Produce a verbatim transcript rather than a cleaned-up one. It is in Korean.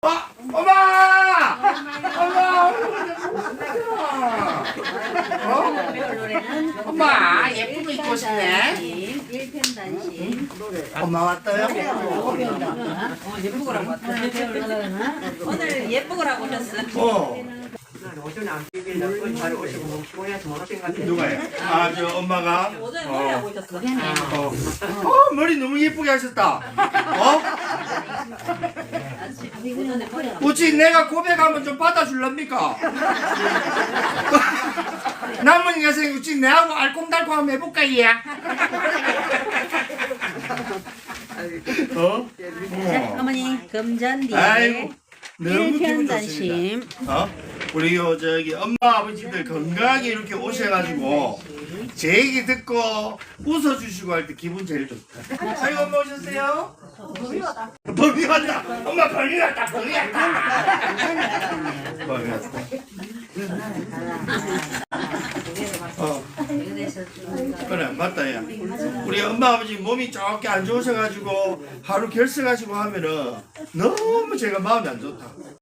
어, 엄마! 엄마! 어? 엄마, 예쁜 거 입고 싶네. 일편단심. 엄마 왔어요? 예쁘고라고 왔다. 오늘 예쁘고라고 오셨어. 어. 오전에 안 비빌다 그건 잘 오시고 너무 피곤해서 못 오신 것 같아요. 누가요? 아, 저 엄마가? 오전에 어. 머리하고 오셨어. 어. 어, 머리 너무 예쁘게 하셨다. 어? 오전에 머리하고. 어찌 내가 고백하면 좀 받아줄랍니까? 남은 여생 어찌 내하고 알콩달콩 한번 해볼까, 얘? 어? 자, 어머니 금전뒤에 아이고, 너무 기분 좋습니다. 일편단심. 어? 우리 요 저기 엄마 아버지들 건강하게 이렇게 오셔가지고 제 얘기 듣고 웃어주시고 할 때 기분 제일 좋다. 아이고 엄마 오셨어요? 범이 왔다. 엄마 범이 왔다. 범이 왔다. 범이 왔다. 어. 그래 맞다 야. 우리 엄마 아버지 몸이 조금 안 좋으셔가지고 하루 결석하시고 하면은 너무 제가 마음이 안 좋다.